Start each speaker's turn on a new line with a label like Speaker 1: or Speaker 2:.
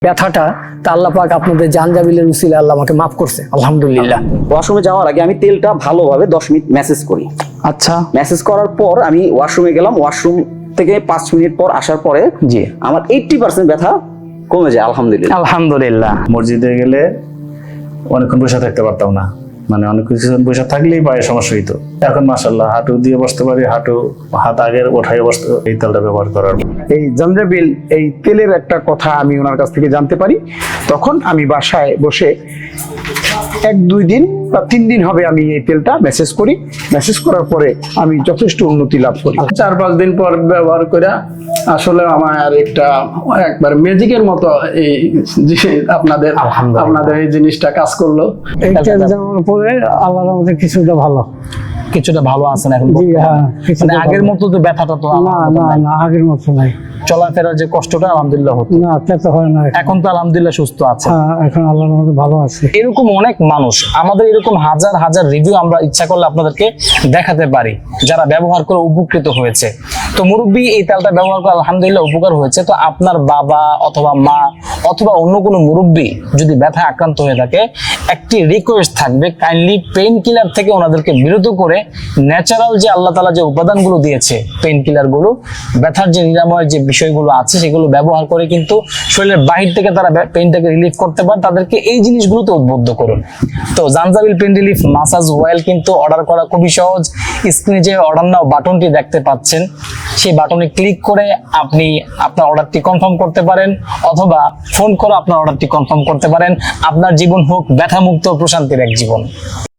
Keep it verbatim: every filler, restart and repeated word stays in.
Speaker 1: ব্যথাটা তা আল্লাহ পাক আপনাদের জানজাবিলের উসিলে আল্লাহ আমাকে মাফ করছে, আলহামদুলিল্লাহ।
Speaker 2: ওয়াশরুমে যাওয়ার আগে আমি তেলটা ভালোভাবে দশ মিনিট ম্যাসেজ করি।
Speaker 3: আচ্ছা,
Speaker 2: ম্যাসেজ করার পর আমি ওয়াশরুমে গেলাম। ওয়াশরুম থেকে পাঁচ মিনিট পর আসার পরে
Speaker 3: জি
Speaker 2: আমার এইট্টি পার্সেন্ট ব্যথা কমে যায়, আলহামদুলিল্লাহ।
Speaker 3: আলহামদুলিল্লাহ।
Speaker 4: মসজিদে গেলে অনেকক্ষণ বসে থাকতে পারতাম না, মানে অনেক কিছুক্ষণ বসে থাকলেই পায়ে সমস্যা হইতো। এখন মাশাআল্লাহ হাঁটু দিয়ে বসতে পারি, হাঁটু হাত আগের ওঠাই বসতে, এই তেলটা ব্যবহার করার।
Speaker 5: এই জাঞ্জাবিল এই তেলের একটা কথা আমি ওনার কাছ থেকে জানতে পারি, তখন আমি বাসায় বসে এক দুই দিন বা তিন দিন হবে আমি এই তেলটা মেসেজ করি। মেসেজ করার পরে আমি যথেষ্ট উন্নতি লাভ করি।
Speaker 6: চার পাঁচ দিন পর ব্যবহার করে আসলে আমার একটা একবার ম্যাজিকের মতো এই যে আপনাদের আপনাদের এই জিনিসটা কাজ করলো।
Speaker 7: এই তেল দেওয়ার পরে আল্লাহর রহমতে কিছুটা ভালো
Speaker 3: কিছুটা ভালো আছেন এখন?
Speaker 7: জি হ্যাঁ,
Speaker 3: মানে
Speaker 7: কিছুটা
Speaker 3: আগের
Speaker 7: ভালো।
Speaker 3: মতো তো ব্যথাটা তো
Speaker 7: না না না আগের মতো নাই,
Speaker 3: চলাফেরার যে কষ্টটা আলহামদুলিল্লাহ হতো,
Speaker 7: না তেতে হয় না এখন।
Speaker 3: এখন তো আলহামদুলিল্লাহ সুস্থ আছে।
Speaker 7: হ্যাঁ, এখন আল্লাহর রহমতে ভালো আছে।
Speaker 3: এরকম অনেক মানুষ, আমাদের এরকম হাজার হাজার রিভিউ আমরা ইচ্ছা করলে আপনাদেরকে দেখাতে পারি যারা ব্যবহার করে উপকৃত হয়েছে। তো মুরব্বী এই তেলটা ব্যবহার করে আলহামদুলিল্লাহ উপকার হয়েছে। তো আপনার বাবা অথবা মা অথবা অন্য কোনো মুরব্বী যদি ব্যথায় আক্রান্ত হয়ে থাকে, একটি রিকোয়েস্ট থাকবে, কাইন্ডলি পেইন কিলার থেকে ওনাদেরকে বিরত করে ন্যাচারাল যে আল্লাহ তাআলা যে উপাদানগুলো দিয়েছে পেইন কিলার গুলো, ব্যথার যে নিরাময় যে বিষয়গুলো আছে সেগুলো ব্যবহার করে কিন্তু শরীরের বাহির থেকে তারা পেইনটাকে রিলিফ করতে পারে। তাদেরকে এই জিনিসগুলোতে উদ্বুদ্ধ করুন। তো জাঞ্জাবিল পেইন রিলিফ মাসাজ অয়েল কিন্তু অর্ডার করা খুবই সহজ। স্ক্রিনে যে অর্ডার নাও বাটনটি দেখতে পাচ্ছেন, সেই বাটনে ক্লিক করে আপনি আপনার অর্ডারটি কনফার্ম করতে পারেন, অথবা ফোন করে আপনার অর্ডারটি কনফার্ম করতে পারেন। আপনার জীবন হোক ব্যথামুক্ত প্রশান্তির এক জীবন।